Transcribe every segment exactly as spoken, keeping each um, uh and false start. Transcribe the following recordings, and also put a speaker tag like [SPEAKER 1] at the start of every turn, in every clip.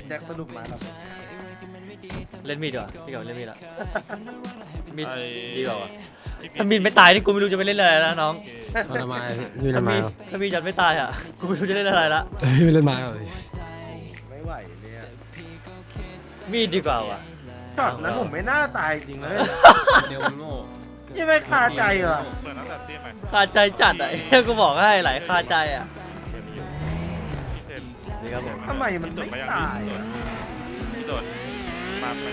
[SPEAKER 1] จ็คสนุกไหมครับ
[SPEAKER 2] เล่นมีดดีกว่าพี่กับเล่นมีดละมีด
[SPEAKER 3] ไอ้
[SPEAKER 2] ดีกว่าว่ะถ้ามีดไม่ตายนี่กูไม่รู้จะไปเล่นอะไรแล้วน้อง
[SPEAKER 4] เอาละไม้พี่เล่
[SPEAKER 2] ถ้าน
[SPEAKER 4] ไม้
[SPEAKER 2] มีด
[SPEAKER 4] เหรอ
[SPEAKER 2] ถ้ามีดยันไม่ตายอ่ะกูไม่รู้จะเล่นอะไรละ
[SPEAKER 4] พี่ไม่เล่นไม้เหรอพี่
[SPEAKER 1] ไม่ไหวเนี่ย
[SPEAKER 2] มีดดีกว่าว่ะ
[SPEAKER 1] ช็อตนั้นผมไม่น่าตายจริงเลย
[SPEAKER 5] เดวโง่
[SPEAKER 1] ยังไม่คาใจเหรอ
[SPEAKER 3] เปิดตั้งแต่ตีใหม่
[SPEAKER 2] คาใจจัดอ่ะ กูบอกให้หลายคาใจอ่ะ
[SPEAKER 3] พี่เซน
[SPEAKER 2] นี่ครับผม
[SPEAKER 1] ทำไมมันไม่ตายอะ
[SPEAKER 3] พี่โดดมาไป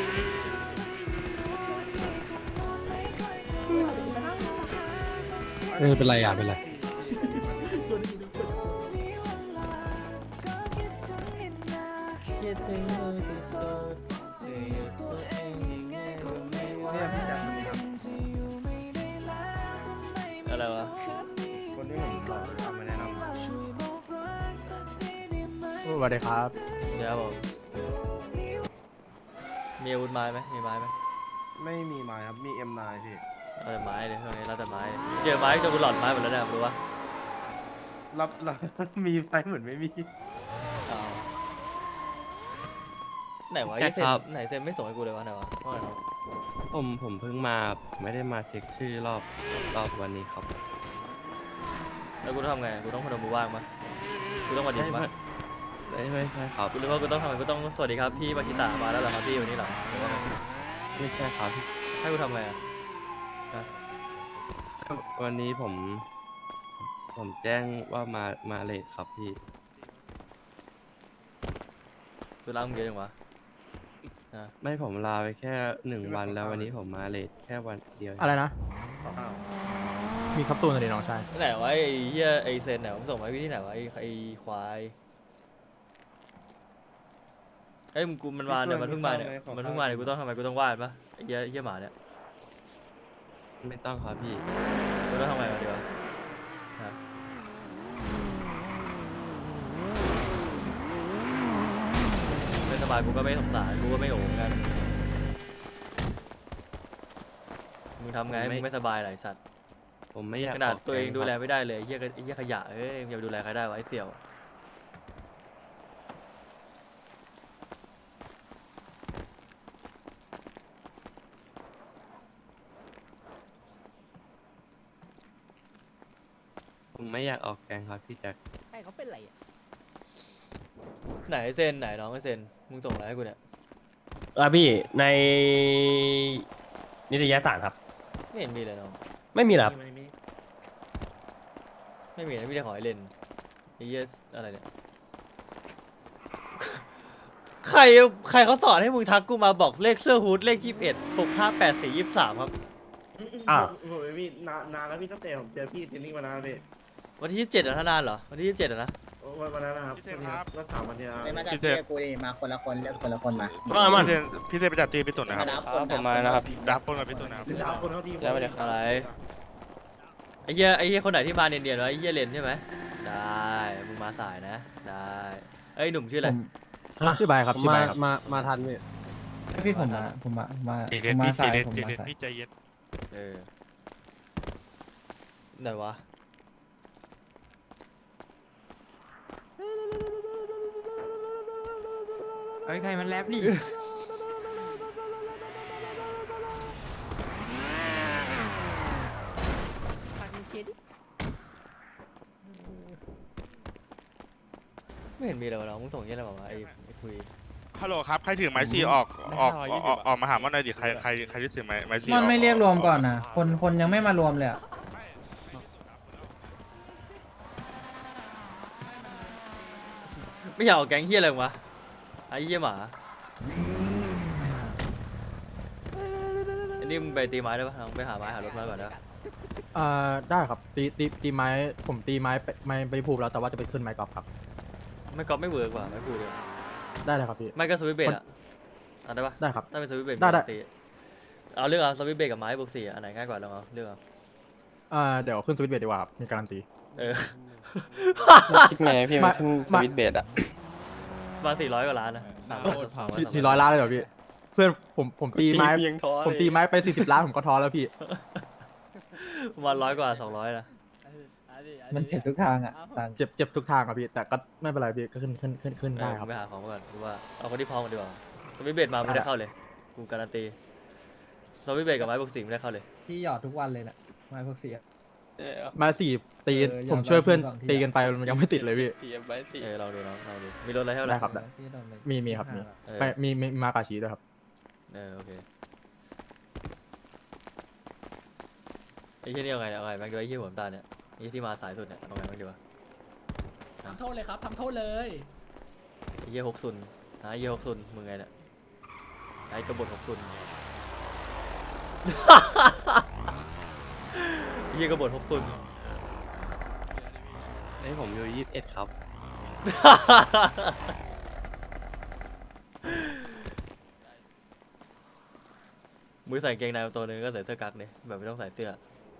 [SPEAKER 4] เออเป็นไรอ่ะเป็นไร
[SPEAKER 1] เนี่ยพี่แจ็คมันท
[SPEAKER 2] อะไรวะ
[SPEAKER 1] ำคนที่ผมหลอกเลยเอามาแนะนำ
[SPEAKER 4] สวัสดีครับ
[SPEAKER 2] เดี๋ยวครับผมมีอาวุธไม้ไหมมีไม้ไหม
[SPEAKER 1] ไม่มีไม้ครับมี เอ็ม ไนน์ พี่
[SPEAKER 2] เราแต่ไม้เลยช่วงนี้เราแต่ไม้เจอไม้จนกูหลอดไม้หมดแล้วเนี่ยรู้ปะ
[SPEAKER 1] รับรับ มีไม้เหมือนไม่มี
[SPEAKER 2] อ้าวไหนวะไอ้เซนไหนเซนไม่ส่งให้กูเลยวะไหนวะว่าไงวะ
[SPEAKER 5] ผมผมเพิ่งมาไม่ได้มาเช็คชื่อรอบรอบวันนี้ครับ
[SPEAKER 2] แล้วกูต้องทำไงกูต้องพนมมือไหว้มั้ยกูต้องวันดี
[SPEAKER 5] ไม่
[SPEAKER 2] มั้
[SPEAKER 5] ไม่
[SPEAKER 2] ย
[SPEAKER 5] ไม่ไม่ใช่ครับ
[SPEAKER 2] กูรู้ว่ากูต้องทำไงกูต้องสวัสดีครับพี่มาชิตะมาแล้วเหรอครับพี่วันนี้เหรอหรือว่าไง
[SPEAKER 5] ไม่ใช่ครับ
[SPEAKER 2] ให้กูทำไงอะฮะ
[SPEAKER 5] วันนี้ผม ผมแจ้งว่ามามาเลทครับพี่
[SPEAKER 2] กูล้างมึงเยอะจังวะฮะ
[SPEAKER 5] ไม่ผมลาไปแค่หนึ่งวันแล้ววันนี้ผมมาเลทแค่วันเดียว
[SPEAKER 4] อะไรนะ
[SPEAKER 1] อ้าว
[SPEAKER 4] มีคัปซูลอะไรน้องชาย
[SPEAKER 2] ไหนวะไอ้เหี้ยไอ้เซนไหนวะมึงส่งมาให้พี่ที่ไหนวะไอ้ไอ้ควายเอ้ยมึงกูมันมาเนี่ยมันเพิ่งมาเนี่ยมันเพิ่งมาเนี่ยกูต้องทำไมกูต้องไหว้ปะไอ้เหี้ยไอ้เหี้ยหมาเนี่ย
[SPEAKER 5] ไม่ต้องครับพี่
[SPEAKER 2] กูต้องทำไงวะดีวะฮะไม่สบายกูก็ไม่สงสารกูก็ไม่โหงกันมึงทำไงให้มึงไม่สบายหลายสัตว์
[SPEAKER 5] ผมไม่อยาก
[SPEAKER 2] ขนาด
[SPEAKER 5] ก
[SPEAKER 2] ตัวเอง
[SPEAKER 5] ก๊
[SPEAKER 2] ดูแล
[SPEAKER 5] ครับ
[SPEAKER 2] ไม่ได้เลยไอ้เหี้ยก็ไอ้เหี้ยขยะเอ้ยอย่าไปดูแลใครได้วะไอ้เสี่ยว
[SPEAKER 5] ผมไม่อยากออกแกงครับพี่แจ็ค
[SPEAKER 6] ใครเขาเป็นไรอ่ะ
[SPEAKER 2] ไหนเซนไหนน้องไอ้เซนมึงส่งอะไรให้กูเนี่ย
[SPEAKER 7] อ่ะพี่ในนิตยสารครับ
[SPEAKER 2] ไม่เห็นมีเลยน้อง
[SPEAKER 7] ไม่มีหรอครับ
[SPEAKER 1] ไม่มี
[SPEAKER 2] ไม่มีนะมีแต่ขอให้เล่นไอ้เหี้ยอะไรเนี่ย ใครใครเขาสอนให้มึงทักกูมาบอกเลขเสื้อฮูดเลขยี่สิบเอ็ดหกห้าแปดสี่ยี่สิบสามครับ
[SPEAKER 7] อ้าว
[SPEAKER 1] ผมไม่มีนานนานแล้วพี่ตั้งแต่ผมเจอพี่เทรนนิ่งมานานพี่
[SPEAKER 2] วันที่ยี่สิบเจ็ดอะถ้านานเหรอวันที่ยี่สิบเจ็ดอะนะ
[SPEAKER 1] วันวันนั้นนะครับแล้วถามวันนี้
[SPEAKER 6] ไม่มาจากเชียร์กูดิมาคนละคนเลือกคนละคนมา
[SPEAKER 7] ว่ามัน
[SPEAKER 3] พี่เซนพี่เซนไปจัดตีพี่ตุ่นนะครับ
[SPEAKER 6] ดับคน
[SPEAKER 5] ผมมานะครับ
[SPEAKER 3] ดับปนกับพี่ตุ่นนะครับ
[SPEAKER 1] ดาวคนเขาทีม
[SPEAKER 5] ได้ไปเลย
[SPEAKER 2] อะไรไอ้เหี้ยไอ้เหี้ยคนไหนที่มาเนียนๆวะไอ้เหี้ยเลนใช่ไหมได้มึงมาสายนะได้เอ้ยหนุ่มชื่ออะไร
[SPEAKER 4] ชื่อใบครับ
[SPEAKER 8] ผม
[SPEAKER 4] ชื่อ
[SPEAKER 8] มา
[SPEAKER 4] ใบครับ
[SPEAKER 8] มา มาทันพี่
[SPEAKER 9] พี่ผมมาผมมามา
[SPEAKER 3] เจ
[SPEAKER 9] ผ
[SPEAKER 3] เย็น
[SPEAKER 9] มมา
[SPEAKER 3] พี่เจ
[SPEAKER 9] สาย
[SPEAKER 3] เย็น
[SPEAKER 9] ผม
[SPEAKER 3] เจ
[SPEAKER 9] มา
[SPEAKER 3] เย็น
[SPEAKER 9] สาย
[SPEAKER 3] พี่ใจเย็น
[SPEAKER 2] เออไหนวะ
[SPEAKER 9] ไอ้ใครมันแรปนี่
[SPEAKER 2] ไม่เห็นมีเลยวะน้องมึงส่งยี่อะไรบอกว่าไอ้ไอ้คุย
[SPEAKER 3] ฮัลโหลครับใครถือไม้ซีออกออกออกออกมาหามันหน่อยดิใครใครใครที่ถือไม้ไม้ซี
[SPEAKER 9] มันไม่เรียกรวมก่อนนะคนคนยังไม่มารวมเลยอ่ะ
[SPEAKER 2] ไม่อยากออกแก๊งเฮียอะไรวะไอ้เฮียหมาอันนี้มึงไปตีไม้ได้ปะน้องไปหาไม้หารถมาก่อนได้ปะ
[SPEAKER 4] อ่าได้ครับตีตีตีไม้ผมตีไม้ไปไม้ไปภูมิแล้วแต่ว่าจะไปขึ้นไม้กอล์ฟครับ
[SPEAKER 2] ไม่ก๊อปไม่เวิร์กว่ะไม่พูดเลย
[SPEAKER 4] ได้เลยครับพี่
[SPEAKER 2] ไม่ก็สวิตช์เบรดอะอ่ะได้ปะ
[SPEAKER 4] ได้ครับ
[SPEAKER 2] ถ้าเป็นสวิตช์เบรด
[SPEAKER 4] ได้ได้
[SPEAKER 2] ตีเอาเลือกเอาสวิตช์เบรดกับไม้บวกสี่อันไหนง่ายกว่าลองเอาเลือกเอา
[SPEAKER 4] อ่าเดี๋ยวขึ้นสวิตช์เบรดดีกว่าครับมีการันตี
[SPEAKER 2] เออ
[SPEAKER 5] คิดไงพี่
[SPEAKER 4] มา
[SPEAKER 5] มันขึ้นส
[SPEAKER 4] มา
[SPEAKER 5] วิตช์เบสอะ
[SPEAKER 2] มาสี่ร้อยกว่าล้านนะสามร้อยสามร้อย
[SPEAKER 4] สี่สี่ร้อยล้านเลยเหรอพี่เพื่อนผมผมตีไม้ผมตีไม้ไปสี่สิบล้านผมก็ท้อแล้วพี่
[SPEAKER 2] ประมาณร้อยกว่าสองร้อยนะ
[SPEAKER 9] มันเจ็บทุกทางอ่ะสั่ง
[SPEAKER 4] เจ็บเจ็บทุกทางครับพี่แต่ก็ไม่เป็นไรพี่ก็ขึ้นขึ้นขึ้นขึ้น
[SPEAKER 2] เอ
[SPEAKER 4] ได้
[SPEAKER 2] อ
[SPEAKER 4] ครับ
[SPEAKER 2] ไปหาของมาก่อนดูว่าเอาคนที่พร้อมกันดีกว่าสวิตช์เบดมาไม่ได้เข้าเลยกูการันตีสวิตช์เบดกับไม้บวกสี่ไม่ได้เข้าเลย
[SPEAKER 9] พี่หยอดทุกวันเลยน่ะไม้พวกเสีย
[SPEAKER 4] มาสี่ตี
[SPEAKER 9] เออ
[SPEAKER 4] ผมช่วยเพื่อน
[SPEAKER 9] ยอมรับ
[SPEAKER 4] ตีกันไปมันยังไม่ติดเลยพี่
[SPEAKER 2] เออลองดูน้องลองดูมีรถอะไรให้เรา
[SPEAKER 4] ได้ครับ
[SPEAKER 9] เออพี่โดนไป
[SPEAKER 4] มีมีครับมี
[SPEAKER 2] เออ
[SPEAKER 4] ไม่มีมีมากาชีด้วยครับ
[SPEAKER 2] เออโอเคไอ้ที่นี่เอาไงเอาไงแม็กดูไอ้ที่หัวน้ำตาลเนี่ยไอ้ที่มาสายสุดเนี่ยเอาไงแม็กดูวะ
[SPEAKER 8] ทำโทษเลยครับทำโทษเลย
[SPEAKER 2] ไอ้เหี้ยหกซุนหาไอ้เหี้ยหกซุนมึงไงเนี่ยไอ้กบฏหกซุน ไอ้เหี้ยกบฏหกซุน
[SPEAKER 5] ไอ้ผมอยู่ยี่สิบเอ็ดครับ
[SPEAKER 2] มือใส่กางเกงในตัวหนึงก็ใส่เสื้อกั๊กเนี่ยแบบไม่ต้องใส่เสื้อ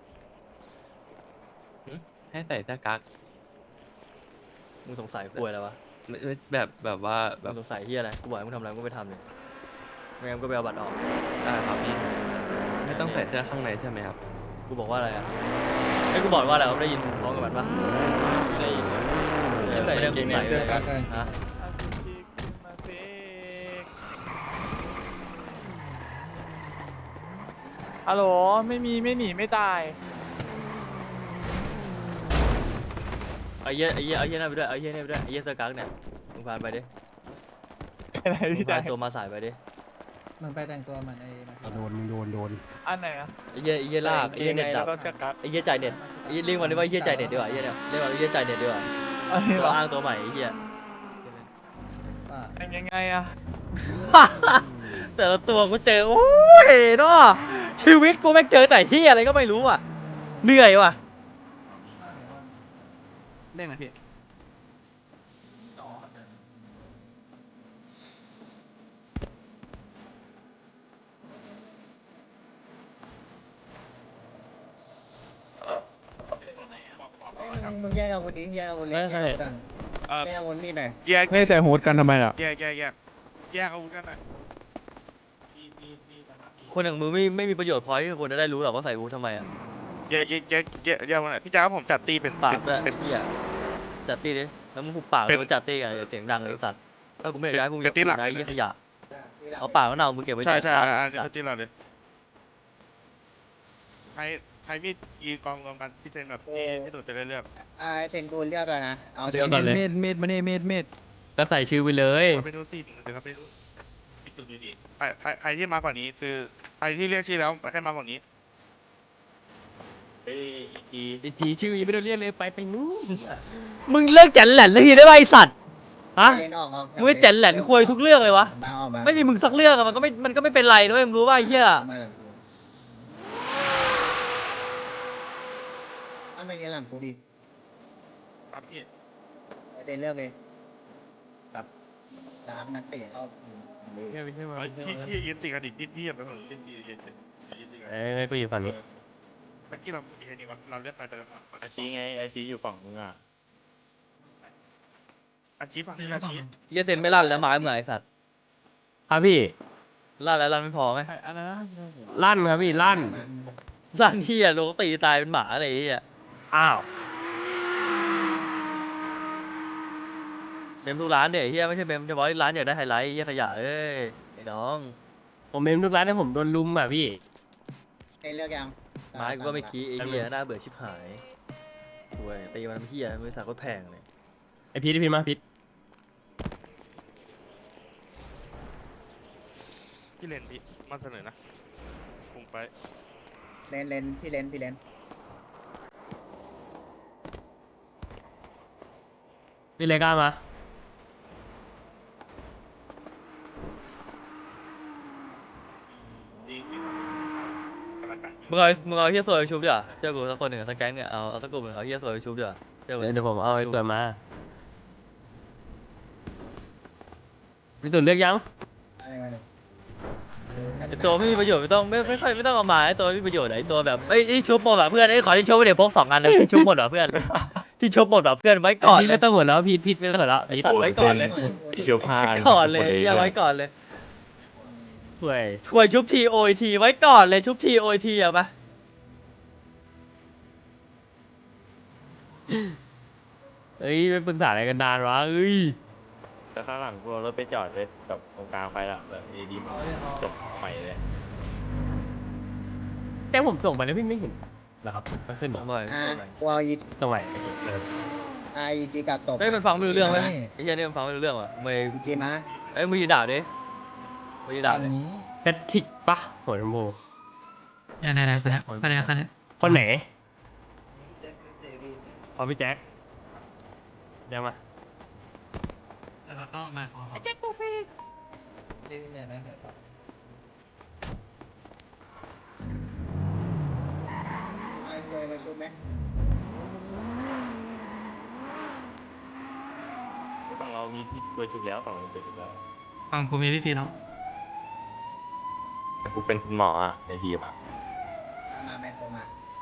[SPEAKER 5] ให้ใส่เสื้อกั๊ก
[SPEAKER 2] มึงสงสัยคุยอะไรวะ
[SPEAKER 5] ไม่ไม่แบบแบบว่าแบ
[SPEAKER 2] มึ
[SPEAKER 5] บ
[SPEAKER 2] งสงสัยเฮียอะไรกูบอกให้มึงทำอะไรมึงก็ไปทำเลยไม่งั้นมึงก็ไปเอาบัตรออก
[SPEAKER 5] ได้ครับพี่ไม่ต้องใส่เสื้อข้างในใช่ไหมครับ
[SPEAKER 2] กูบอกว่าอะไรอ่ะไอ้ยกูบอกว่าอะไรวะได้ยินพร้อมกับมันปะได้ยินไม่ใส่กางเกงใน
[SPEAKER 9] เสื้อกั๊กกัน
[SPEAKER 2] ฮะ
[SPEAKER 10] ฮัลโหลไม่มีไม่หนีไม่ตาย
[SPEAKER 2] ไอ้เหี้ยไอ้เหี้ยไอ้เหี้ยนั่นไปด้วยไอ้เหี้ยนี่ไปด้วยไอ้เหี้ยเสื้อกั๊กเนี่ยมึงพานไปดิ
[SPEAKER 10] อะไร
[SPEAKER 2] มึง
[SPEAKER 10] พี่
[SPEAKER 2] พา
[SPEAKER 10] แจ๊
[SPEAKER 2] นตัวมาสายไปดิ
[SPEAKER 9] มึงไปแต่งตัวเหมันไอ้มา
[SPEAKER 7] โดนมึงโดนโดน
[SPEAKER 10] อันไหนอะ
[SPEAKER 2] ไอ้เหี้ยไอ้เหี้ยลากไอ้เหี้ยเน็ตดับไอ้เหี้ยจ่ายเน็ตไอ้เหี้ยเรียกมันได้ว่าไอ้เหี้ยจ่ายเน็ตดีกว่าไอ้เหี้ยเนี่ยเรียกมันไอ้เหี้ยจ่ายเน็ตดีกว่า
[SPEAKER 10] อันนี้
[SPEAKER 2] ตั
[SPEAKER 10] เหร
[SPEAKER 2] ว
[SPEAKER 10] อ
[SPEAKER 2] อ้างตัวใหม่ไอ้เหี้ย
[SPEAKER 9] ป้า
[SPEAKER 10] เป็นยังไงอะ
[SPEAKER 2] แต่ละตัวกูเจอโอ้ยเนาะชีวิตกูแม่งเจอแต่ที่อะไรก็ไม่รู้อ่ะเหนื่อยว่ะ
[SPEAKER 10] เล่นนะพี่
[SPEAKER 6] มึงมึงแยกอาวุธดิแยกอาวุธดิ
[SPEAKER 7] ไม่ใช่
[SPEAKER 3] เออ
[SPEAKER 6] แยกอาวุธนี่หน่อย
[SPEAKER 3] แยก
[SPEAKER 10] ไม่ใส่ฮูดกันทำไมล่ะ
[SPEAKER 3] แยกแยกแยกแยกอาวุธกันหน่อย
[SPEAKER 2] คนอย่างมึงไม่ไม่มีประโยชน์พอที่คนจะได้รู้หรอกว่าใส่บูททำไมอ่ะ
[SPEAKER 3] แยกแยกแยกแยกแยกวันไหนพี่จ้าผมจัดตีเป็น
[SPEAKER 2] ปากด้วย
[SPEAKER 3] เป็
[SPEAKER 2] ไอ้
[SPEAKER 3] น
[SPEAKER 2] เหี้ยจัดตีดิแล้วมึงหุบปาก
[SPEAKER 3] เป็น
[SPEAKER 2] แล้วจัดตีกันอย่าเสียงดังเลยไอ้สัตว์ถ้ากูไม่อยากให้มึง
[SPEAKER 3] เป็นตีหลัก
[SPEAKER 2] นะไอ้เหี้ยขยะเอาปากมะนาวมึงเก็บไว้
[SPEAKER 3] ใช่
[SPEAKER 2] จัด
[SPEAKER 3] ใช่อ่าอ่า
[SPEAKER 2] สัตว์
[SPEAKER 3] ตีเราเลยใครใครมีดอีกองรวมกันพี่เจนแบบพี่พี่ตู่จะได้เลือก
[SPEAKER 6] อ่าเทนกูเลือกแล้วนะเอา
[SPEAKER 7] เดี๋ยวก่อนเลย
[SPEAKER 9] เม็ดเม็ดมาเน่เม็ดเม็ด
[SPEAKER 7] ก็ใส่ชื่อไปเลย
[SPEAKER 3] เอาไปดูสิเดี๋ยวครับไปดูพี่ตู่ดูดิใครใครใครที่มากกว่านี้คือใครที่เรียกชื่อแล้วให้มากกว่านี้
[SPEAKER 7] ไอทีชื่อยังไม่ต้องเรียกเลยไปไปนู้น
[SPEAKER 2] มึงเลิกจันแหลนเลยทีได้ป่ะไอ้สัตว์ฮะ
[SPEAKER 6] เทนออกออก
[SPEAKER 2] มึงไม่จันแหลนคุยทุกเรื่องเลยวะ
[SPEAKER 6] มาออกมา
[SPEAKER 2] ไม่มีมึงสักเรื่องอะมันก็ไม่มันก็ไม่เป็นไรด้วยมึงรู้ป่ะไอ้เหี้ย
[SPEAKER 6] เอามาเลยอันไม่เงี้ยหลังกูดิ
[SPEAKER 3] ครับพี่
[SPEAKER 6] เทนเลือกเลยแบบตามนักเตะเอา
[SPEAKER 3] เฮ้ยพี่พี่ยืนติดกันอีกนิดพี่อย่าไปสนยืนยืนยืนยืนติดกัน
[SPEAKER 7] เอ้ยกูอยู่ฝั่งนี้
[SPEAKER 3] เมื่อกี้เรามีแค่นี้วะเราเลือกไปแต่ละฝั่ง
[SPEAKER 11] ไอซีไงไอซีอยู่ฝั่งมึงอ่ะ
[SPEAKER 3] อาชีพฝั่งนี้อาชีพ
[SPEAKER 2] เหี้ยเซนไม่ลั่นแล้วไม้มึงอะไอ้สัตว์
[SPEAKER 7] ครับพี่
[SPEAKER 2] ลั่นแล้วลั่นไม่พอไหม
[SPEAKER 10] อะไรนะ
[SPEAKER 7] ลั่นครับพี่ลั่น
[SPEAKER 2] ลั่นเหี้ยโดนตีตายเป็นหมาอะไรไอ้เหี้ย
[SPEAKER 7] อ้าว
[SPEAKER 2] เมมทุกร้านเดี๋ยวเฮียไม่ใช่เมมเฉพาะร้านอยากได้ไฮไลท์เฮียขยะเอ้ยไอ้น้อง
[SPEAKER 7] ผมเมมทุกร้านให้ผมโดนลุมอ่ะพี่
[SPEAKER 6] เทนเลือกยัง
[SPEAKER 2] ไม้กูก็ไม่คีไอ้เฮียน่าเบื่อชิบหายด้วยตีมันเฮียบริษัทก็แพงเลย
[SPEAKER 7] ไอพีทไอพีทมาพีท
[SPEAKER 3] พี่เลนพี่มาเสนอนะผมไป
[SPEAKER 6] เลนเลนพี่เลนพี่เลน
[SPEAKER 7] พี่เลก้ามา
[SPEAKER 2] มึงเอามึงเอาเฮียสวยไปชุบดีกว่าเชื่อกูสักคนหนึ่งสักแก๊งเนี่ยเอาเอาสักกลุ่มหนึ่งเอาเฮียสวยไปชุบดีกว่าเชื่อกู
[SPEAKER 7] เดี๋ยวผมเอาไอ้ตัวมาพี่ตุ่นเลือกยัง
[SPEAKER 6] อะไรมาเนี่ย
[SPEAKER 2] ไอ้ตัวไม่มีประโยชน์ไม่ต้องไม่ไม่ค่อยไม่ต้องเอามาไอ้ตัวไม่มีประโยชน์ไอ้ตัวแบบเอ้ยที่ชุบหมดว่ะเพื่อนไอ้ยขอที่ชุบไปเดี๋ยวพกสองอันนะที่ชุบหมดว่ะเพื่อนที่ชุบหมดว่ะเพื่อนไว้ก่อน
[SPEAKER 7] พี่
[SPEAKER 2] เล
[SPEAKER 7] ไม่
[SPEAKER 2] ย
[SPEAKER 7] ต้องหัวแล้วพีทพีทไม่ต้องหัวแล้วพีท
[SPEAKER 2] ไว้ก่อนเลย
[SPEAKER 11] ที่เชียวผ้า
[SPEAKER 2] ก่อนเลยอย่าไว้ก่อนเลย
[SPEAKER 7] ห่วย
[SPEAKER 2] ช่วยชุบทีโอทีไว้ก่อนเลยชุบทีโอทีอะปะ
[SPEAKER 7] เอ้ยไปปรึกษาอะไรกันนานวะเอ้ย
[SPEAKER 11] แล้วข้างหลังกูเอารถไปจอดเลยกับตรงกลางไฟละแบบดีดีจบใหม่เลย
[SPEAKER 7] แต่ผมส่งไปแล้วพี่ไม่เห็นนะครับไม่ขึ้นหรอ
[SPEAKER 2] หน่อย
[SPEAKER 6] อ่ากูเอาอี
[SPEAKER 7] ตรงไหน
[SPEAKER 6] ไอจีกัดตบ
[SPEAKER 2] เฮ้ยมันฟังไม่รู้เรื่องไหมไอ้เหี้ยนี่มันฟังไม่รู้เรื่องว่ะไม่
[SPEAKER 6] จีมา
[SPEAKER 2] เอ้ยมึงยืนด่าดิมึงยืนด่าดิ
[SPEAKER 7] แพทริกปะหัวชมพู
[SPEAKER 10] เนี่ยเนี่ยเนี่ยไปไหนกันเนี่ย
[SPEAKER 7] คนไหนพอพี่แจ็คเดี๋ยวมา
[SPEAKER 10] แล้วก็มาขอ
[SPEAKER 9] นี่เนี่ยนะ
[SPEAKER 6] ไอเคยมาชุบไหม
[SPEAKER 11] ฝั่งเรามีที่ตัวชุดแล้วฝั่งเราเป็นชุดแล้ว
[SPEAKER 10] ฟังผมมีพี่พีแล้ว
[SPEAKER 11] แต่กูเป็นคุณหมออ่ะในทีมอ่ะ
[SPEAKER 6] มาแมนโทรมา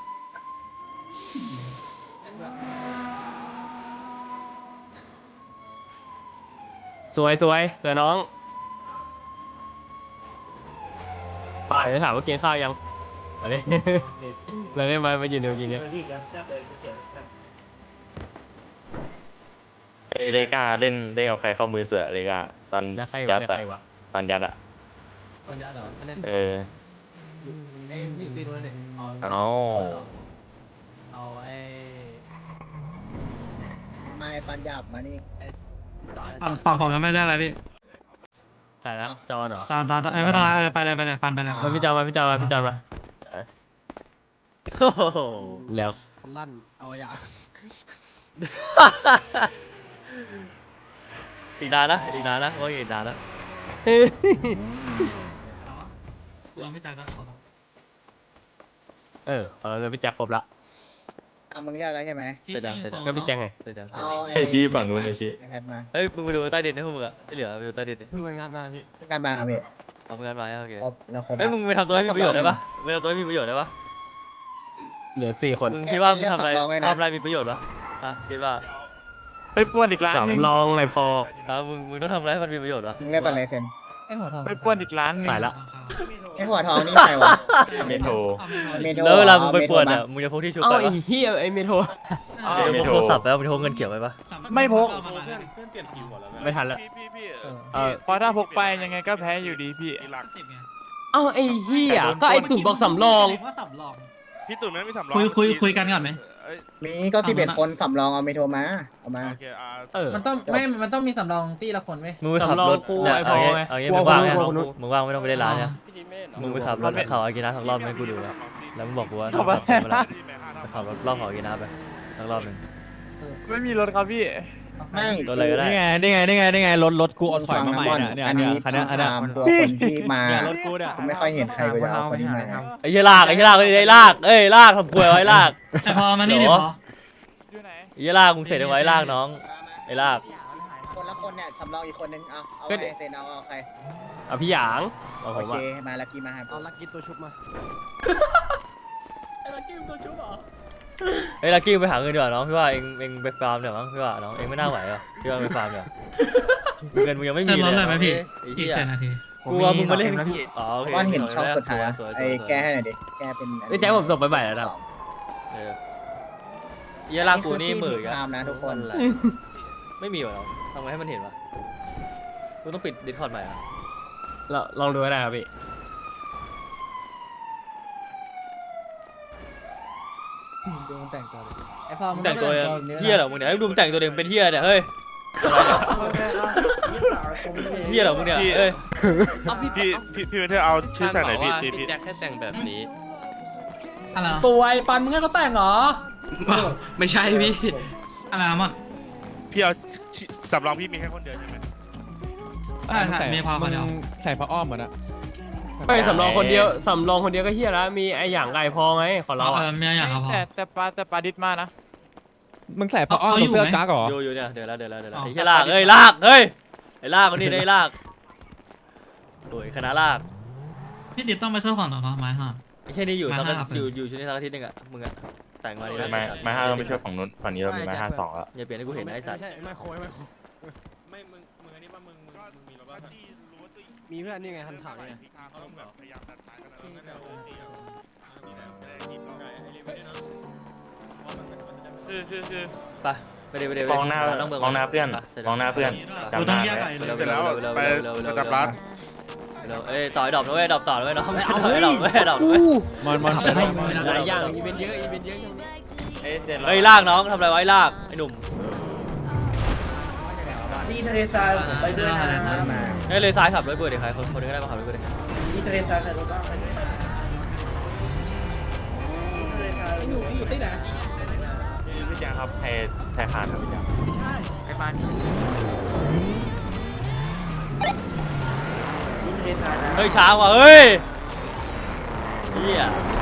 [SPEAKER 7] สวยสวยเดี๋ยวน้องไปจะถามว่ากินข้าวยังอะไร เราได้มามายืนเดียวกินเนี่ย
[SPEAKER 11] เอ้ยเลกาเล่นเล่นเอาใครเข้ามือเสือเลกาตอน
[SPEAKER 7] แล้วใคร
[SPEAKER 11] ยั
[SPEAKER 7] วะ
[SPEAKER 11] ด
[SPEAKER 7] แล้ว
[SPEAKER 11] อะ
[SPEAKER 7] ใครวะ
[SPEAKER 11] ตอนยัดอะ
[SPEAKER 9] คนยาเหรอเล่น
[SPEAKER 11] เออ
[SPEAKER 9] ไอ้พี่ตีด้วยเนี่ยเอา
[SPEAKER 11] เอา
[SPEAKER 9] เอาไอ้
[SPEAKER 6] มาไอปัญญาบมานี่
[SPEAKER 10] ฝั่งฝั่งผมยังไม่ได้อะไรพี่
[SPEAKER 7] ใช่แล้วจอนเหรอ
[SPEAKER 10] ตามตามเอ้ยไม่ต้องละเออไปเลยไปเลยฟันไปเลย
[SPEAKER 7] มาพี่จอนมาพี่จอนมาพี่จอนมา
[SPEAKER 2] โอ้โห
[SPEAKER 7] แล้ว
[SPEAKER 9] ลั่นเอาอย่า
[SPEAKER 2] อีกนานนะอีกนานนะว่าอีกนานนะ
[SPEAKER 10] เราไม่จ่ายก็ขอ
[SPEAKER 7] เออเราเลยพี่แจ็คครบละ
[SPEAKER 6] อ่ะมึงเรียกแล้วใช่ไหม
[SPEAKER 2] เสร็จแล้วเสร็จแล้ว
[SPEAKER 7] ก็พี่แจ็คไง
[SPEAKER 2] เสร็จแล้ว
[SPEAKER 6] เอา
[SPEAKER 11] ไอชี้ฝั่งนู้นไอชี้
[SPEAKER 6] ไอแพดมา
[SPEAKER 2] เฮ้ยมึงไปดูใต้ดินให้พวกมึงอะที่เหลือไปดูใต้ดินดิ
[SPEAKER 7] เพิ่งไปงานมาพี่
[SPEAKER 6] การบ้านเอาพี่
[SPEAKER 2] เอาเงินมาโอเค
[SPEAKER 6] ครบแล้วครบ
[SPEAKER 2] เฮ้ยมึงไปทำตัวให้มีประโยชน์ได้ปะไปทำตัวให้มีประโยชน์ได้ปะ
[SPEAKER 7] เหลือสี่คน
[SPEAKER 2] มึงคิดว่ามึงทำอะไรทำอะไรมีประโยชน์ปะอ่ะคิดว่า
[SPEAKER 10] ไปป้วนอีกร้าน
[SPEAKER 7] สำรองอะไรพอ
[SPEAKER 2] อ่ะมึงมึงต้องทำอะไรให้มันมีประโยชน์ปะ
[SPEAKER 6] มึงเรียกอะไรเซน
[SPEAKER 9] ไอ้หัวทอง
[SPEAKER 10] ไปป้วนอีกร้าน
[SPEAKER 7] ตายละ
[SPEAKER 6] ไอหัวทองนี่ใครวะ
[SPEAKER 11] เมโทร
[SPEAKER 6] เมโทร
[SPEAKER 2] แล้วเวลามึงไป
[SPEAKER 6] อ
[SPEAKER 2] ปวด
[SPEAKER 6] เมโทร
[SPEAKER 2] อ่ะมึงจะพกที่ชุบ
[SPEAKER 7] เอ้า
[SPEAKER 2] ไป
[SPEAKER 7] ไอ้
[SPEAKER 2] ปะ
[SPEAKER 7] เฮียไอ้เมโทร
[SPEAKER 2] เดี๋ยวพกโทรศัพท์ไปปะมึงพกเงินเขียวไปปะ
[SPEAKER 10] ไม่พก
[SPEAKER 7] ไม่ทันละ
[SPEAKER 3] พี่พี่พี่
[SPEAKER 7] เออ
[SPEAKER 10] เพราะถ้าพกไปยังไงก็แพ้อยู่ดีพี่
[SPEAKER 3] ทีหลัง
[SPEAKER 7] เอ้าไอ้เฮียก็ไอ้ตุ่นบอกสำรอง
[SPEAKER 9] ว่าสำรอง
[SPEAKER 3] พี่ตุ่นไม่มีสำรอง
[SPEAKER 10] คุยคุยคุยกันก่อนไหม
[SPEAKER 3] เอ้ย
[SPEAKER 6] มีก็สิบเอ็ดคนสำรองเอาเมโทรมาเอามา
[SPEAKER 3] โอเคอ่า
[SPEAKER 7] เออ
[SPEAKER 9] มันต้องไม่ มันต้องมีสำรองตีละคนไหม
[SPEAKER 2] มึงไปขับรถ
[SPEAKER 7] สำรองกู
[SPEAKER 2] เนี่ย
[SPEAKER 7] ไอ้พ
[SPEAKER 2] เอา
[SPEAKER 7] อ
[SPEAKER 2] งี้
[SPEAKER 7] ไง
[SPEAKER 2] เอางี้มึงว่างเนี่ยมึงว่างไม่ต้องไปเล่นร้านเนี่ยมึงไปขับรถเขาอากินะทั้งรอบให้กูดูนะแล้วมึงบอกกูว่าทำขับเมื่อไหร่ไปขับรถรอบเขาอากินะไปทั้งรอบหนึ่ง
[SPEAKER 10] ไม่มีรถครับพี่
[SPEAKER 6] ไม่
[SPEAKER 2] รถอะไรก็ได้
[SPEAKER 4] นี่ไงนี่ไงนี่ไงนี่ไงรถรถกูเอาถอยมาใหม่
[SPEAKER 6] ฟัง
[SPEAKER 4] เนี่ย
[SPEAKER 6] นะ
[SPEAKER 4] เนี่ย
[SPEAKER 6] อัน
[SPEAKER 4] เนี่
[SPEAKER 6] นี้
[SPEAKER 4] ยคันเนี้ยอันเนี้ย
[SPEAKER 6] ถามตัวคนที่มา
[SPEAKER 4] เนี่ยรถกูเนี่ย
[SPEAKER 6] ผมไม่ค่อยเห็นใครก็จะเอาคนที่มา
[SPEAKER 2] ไอ้เหี้ยลากไอ้เหี้ยลากไอ้ลากเอ้ยลากทำควยไว้ลาก
[SPEAKER 10] ไอพอมานี่ดิพออยู่ไหน
[SPEAKER 2] ไอ้เหี้ยลากมึงเสร็จเอาไว้ลากน้องไอ้ลาก
[SPEAKER 6] คนละคนเนี่ยสำรองอีกคนนึงเอาเอา
[SPEAKER 7] ก็
[SPEAKER 6] ใค
[SPEAKER 7] เดี๋
[SPEAKER 6] ร
[SPEAKER 7] ยว
[SPEAKER 6] เซนเอาเอาใคร
[SPEAKER 7] เอาพี่หยางเอาผ
[SPEAKER 6] โอ
[SPEAKER 7] ม
[SPEAKER 6] เค
[SPEAKER 7] อะ
[SPEAKER 6] มาลักกี้มาหา
[SPEAKER 4] เอาลักกี้ตัวชุบมา
[SPEAKER 2] ไอ้ลักกี้ไปหาเงินดีกว่าน้องพี่ว่าเองเองไปฟาร์มเดี๋ยวมั้งพี่ว่าน้องเองไม่น่าไหวอ่ะพี่ว่าไปฟาร์มเดี๋ยวเงินมึงยังไม่มี
[SPEAKER 10] เติมรถเลยไหมพี่
[SPEAKER 2] ไอ้
[SPEAKER 10] อี
[SPEAKER 2] เหี้
[SPEAKER 10] ก
[SPEAKER 2] ย
[SPEAKER 10] เจ็ดนาที
[SPEAKER 2] กูว่ามึงมาเล่นอ๋อโอเค
[SPEAKER 6] ก้อนเห็นช่องสุดท้าย
[SPEAKER 2] สวๆ
[SPEAKER 6] ไอ้แก้ให้หน่อยดิแก้เป็น
[SPEAKER 7] ไอ้แจ็คผมส่งไปใหม่แล้วนะ
[SPEAKER 2] เออไอ้เหี้ยลากกูนี่หมื่น
[SPEAKER 6] ตามนะทุกคน
[SPEAKER 2] อะไรไม่มีวะน้องทำไงให้มันเห็นวะกูต้องปิดดิสคอร์ดใหม่อ่ะ
[SPEAKER 7] เราลองดูก็ได้ครับพี่
[SPEAKER 9] ดูมันแต่งตัวเลยไอ้พอ
[SPEAKER 2] มึงแต่งตัวเฮียเหรอมึงเนี่ยให้ดูมึงแต่งตัวเองเป็นเฮียเนี่ยเฮ้ยเฮียเหรอมึงเนี่ยเอ้ย
[SPEAKER 3] พี่พี่พี่เธอเอาชื่อใส่ไหนพี่พี่
[SPEAKER 5] พี่แจ็คแค่แต่งแบบนี้
[SPEAKER 10] อะไรนะ
[SPEAKER 8] สวยปันมึงให้เขาแต่งเหรอ
[SPEAKER 5] ไม่ใช่พี่
[SPEAKER 10] อะไรนะมัน
[SPEAKER 3] พี่เอาสำรองพี่มีแค่คนเดียวใช่ไหม
[SPEAKER 10] ใช่ใช่มีพอคนเดียว
[SPEAKER 4] ใส่ผ้าอ้อมเหมือนอะ
[SPEAKER 7] ไม่สำรองคนเดียวสำรองคนเดียวก็เฮียแล้วมีไอ้หยางไก่พอไงขอเรา
[SPEAKER 10] เอ
[SPEAKER 7] อะ
[SPEAKER 10] อมีอย่างครับพอ
[SPEAKER 8] แต่แต่ปลาแต่ปลาดิดมานะ
[SPEAKER 4] มึงใส่ผ้าอ้อม
[SPEAKER 10] เขาอยู่
[SPEAKER 4] เสื้อ
[SPEAKER 10] ไหม
[SPEAKER 4] กั๊กเหรอ
[SPEAKER 2] อยู่อยู่เนี่ยเดี๋ยวแล้วเดี๋ยวแล้วเดี๋ยวแล้ว
[SPEAKER 10] อ๋อ
[SPEAKER 2] ไอ้เฮียลากเอ้ยลากเฮ้ยไอ้ลากคนนี้ได้ลากโอ้ยคณะลาก
[SPEAKER 10] พี่ดิดต้องไปช่วยฝั่งต่อเนาะไม้ห้า
[SPEAKER 2] ไอ้เฮียนี่อยู่
[SPEAKER 10] มา
[SPEAKER 2] ตั้ง
[SPEAKER 10] ห้าครับ
[SPEAKER 2] อยู่อยู่ชุดนี้ทั้งอาทิตย์หนึงอ่ะมึงอ่ะแต่งมาดีนะ
[SPEAKER 11] ไม้ไม้ห้าเราไม่ช่วยฝั่งนู้นฝั่งนี้เรามีไม้ห้าสองแล้ว
[SPEAKER 2] อย่าเปลี่ยนให้กูเห็นนะไอ้สัตว์
[SPEAKER 4] ไม่โคยไม่โคย
[SPEAKER 11] ไม่มึงมึงอันนี้ป่ะมึงมึงมึงมีรถป่ะ
[SPEAKER 4] มีเพื่อนนี่ไงทันข่าวนี่ไง
[SPEAKER 3] เขาต้องแบบพยายามดันท้ายกันนะ
[SPEAKER 10] ที่
[SPEAKER 3] แล้ว
[SPEAKER 10] แบบ
[SPEAKER 3] ก็เดี๋ยวเดี๋ยวเดี๋ยวเดี๋ยว
[SPEAKER 11] คือคือคือ
[SPEAKER 2] ไปไปเดี๋ยวไปเดี๋ยว
[SPEAKER 11] มองหน้า
[SPEAKER 2] เมือง
[SPEAKER 11] มองหน้าเพื่อน
[SPEAKER 2] ไปสร็จ
[SPEAKER 11] มองหน้าเพื่อน
[SPEAKER 10] กู
[SPEAKER 11] จำห
[SPEAKER 10] ต้อ
[SPEAKER 11] น้าง
[SPEAKER 10] แยก
[SPEAKER 11] ไว้
[SPEAKER 10] ไอ้เลย
[SPEAKER 3] เสร็จแล้วไปประจำร้าน
[SPEAKER 2] เร็วเอ้ยต่อยดอกนะเว้ยดอกต่อนะเว้ยน้องไม่เอาดอกเว้ยดอกเว้ย
[SPEAKER 4] มันมัน
[SPEAKER 7] หลายอย่างอีเวนต์เยอะอีเวนต์เยอะ
[SPEAKER 11] เอ้ยเสร็จแล้ว
[SPEAKER 2] เฮ้ยลากน้องทำอะไรไว้ลากไอ้หนุ่ม
[SPEAKER 6] ที่ทะเลทรายผมไปด้วยนะ
[SPEAKER 2] เฮ้ยเลยซ้ายขับรถเบื่อดิใครคนคนนึงก็ได้มาขับรถเบื่อดิ
[SPEAKER 6] ที่ทะเลทรายใส่รถบ้างไปด้วยทะเลทราย
[SPEAKER 9] ไอ้หนูอยู่ที่ไหน
[SPEAKER 11] พี่แจงครับไทยไทยคานครับพี่แจง
[SPEAKER 8] ไอ้มา
[SPEAKER 6] ที่ทะเลทรายนะ
[SPEAKER 2] เฮ้ยช้าว่ะเฮ้ยเฮีย